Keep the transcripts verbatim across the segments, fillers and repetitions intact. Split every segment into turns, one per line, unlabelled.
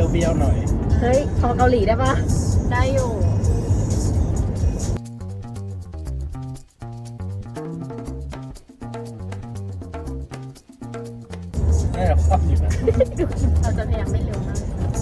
เปรี้ยวๆหน่อย
เฮ้ยพอเกาหลีได้ปะได้อยู่
น่าจะคว่ำอยู่นะ
เราจะพยายามไม่เร็วมาก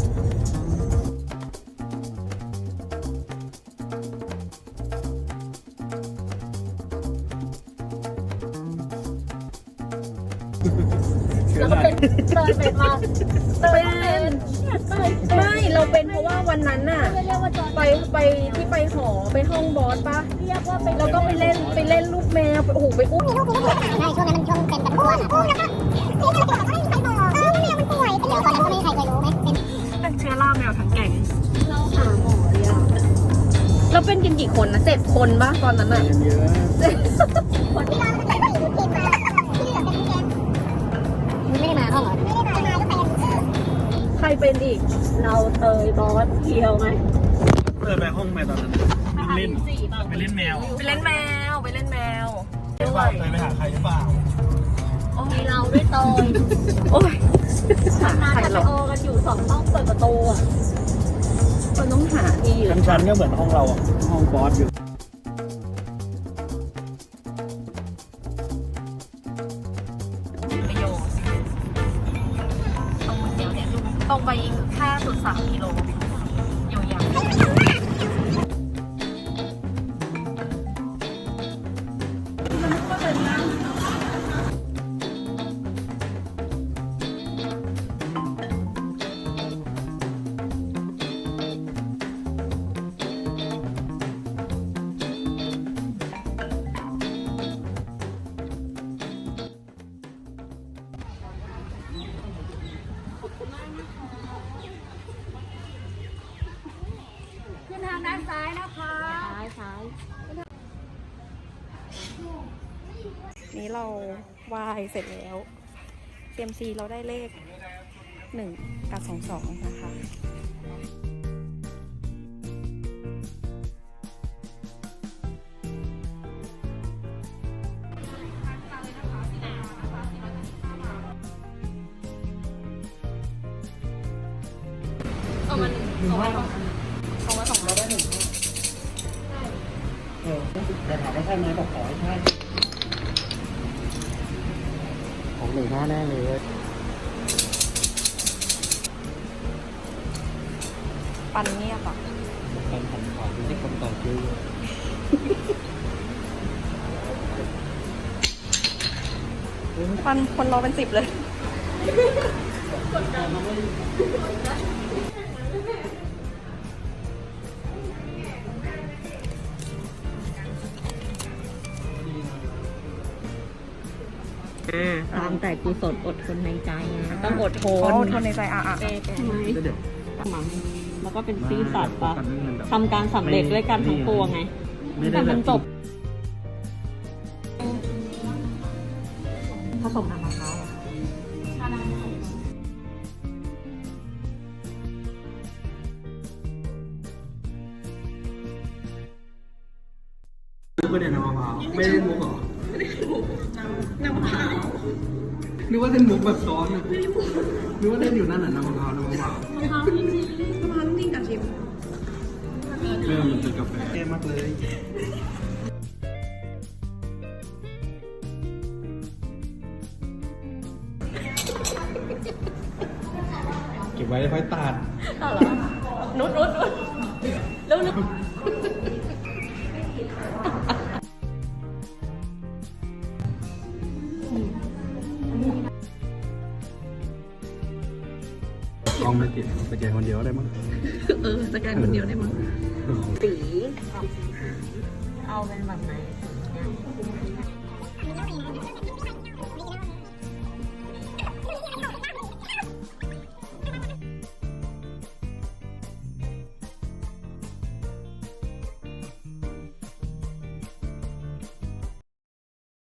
แล้วก็เป็นเตยเป็นมาเตยเป็นไม่เราเป็นเพราะว่าวันนั้นน่ะไปไปที่ไปหอไปห้องบอสปะเรียกว่าไปแล้วก็ไปเล่นไปเล่นลูกแมวโอ้โหไปอุ้ม
ใช่ช่วงนั้นมันช่วงเป็นแบบอ้วนอ่ะแล้วก็นี่ก็เลยบอกว่าไม่มีใครบอกเออแมวมันป่วยเดี๋ยวตอนนั้นก็ไม่มีใครเคยรู้ไหม
เป็นเชื้อราแมวทั้งแก่งเราหาหมอเลยอ่ะเราเป็นกันกี่คนนะเจ็ดคนปะตอนนั้นอ่ะ
เยอะ
คนที่เราไม่ได้อยู่ทีมมาที่เหลือเป็นแกงไม่ได้มาห้องเหรอไม่ได้มามาก็ไปกัน
ใครเป็นอีกเราเตยบอสเคียวไหม
เออไปห้องไปตอนนั้นเล่นไปเล่นแมว
ไปเล่นแมวไปเล่นแมว
หรือเปล่าเคยไปหาใครหรือเปล่า
มีเราด้วยเตยโอ้ยหาใครหรอโอกันอยู่สองห้องเปิดประตูอ่ะมันต้องหาที่อยู่
ชั้นๆก็เหมือนห้องเราอ่ะห้องบอสอยู่
ตรงไปอีกแค่สุดสามกิโลอยู่อย่างขึ้นทางด้านซ้ายนะคะซ้ายซ้ายนี้เราวายเสร็จแล้ว เซี เอ็ม ซี เราได้เลขหนึ่งกับสองสองนะคะเอามันเอาไว้เอาไว้สองร้อยได้หนึ่ง
เออแต่ถามว่าใช่ไหมบอกขอให้ใช่ของหนึ่งห้าแน่เลย
ปันเงียบอ่ะ
ปันหันขวาไม่ใช่คนต่อคิว
ปันคนรอเป็นสิบเลย
ตามแต่กุศลอดทนในใจนะต้องอดทน
อดทนในใจอ่ะอ่ะ
ทำไมมังแล้วก็เป็นซื่อสัตย์ปะทำการสำเร็จด้วยกันทั้งปวงไงแต่มันจบผสมน้ำมะพร้าว
มุกก็เนี่ยน้ำมะพร้าวไม่ได้มุกหรอ
น้ำมะพร้าว
นึกว่าเล่นมุกแบบซ้อนอ่ะนึกว่าเล่นอยู่นั่นน่ะน้ำมะพร้าวน้ำมะพร้าว
มะพร้าวจริงๆมะพร้าวจริงกับชิม
เริ่มมันเป็นกาแฟเท่มากเลยเก็บไว้ค่อยตัด
ต่อเหรอนุดนุดนุดเร็วนุด
กล้องไม่ติดสแกนคนเดียวได้มั้ง
เออสแกนคนเดียวได้มั้ง
สีเอาเป็นแบบไหน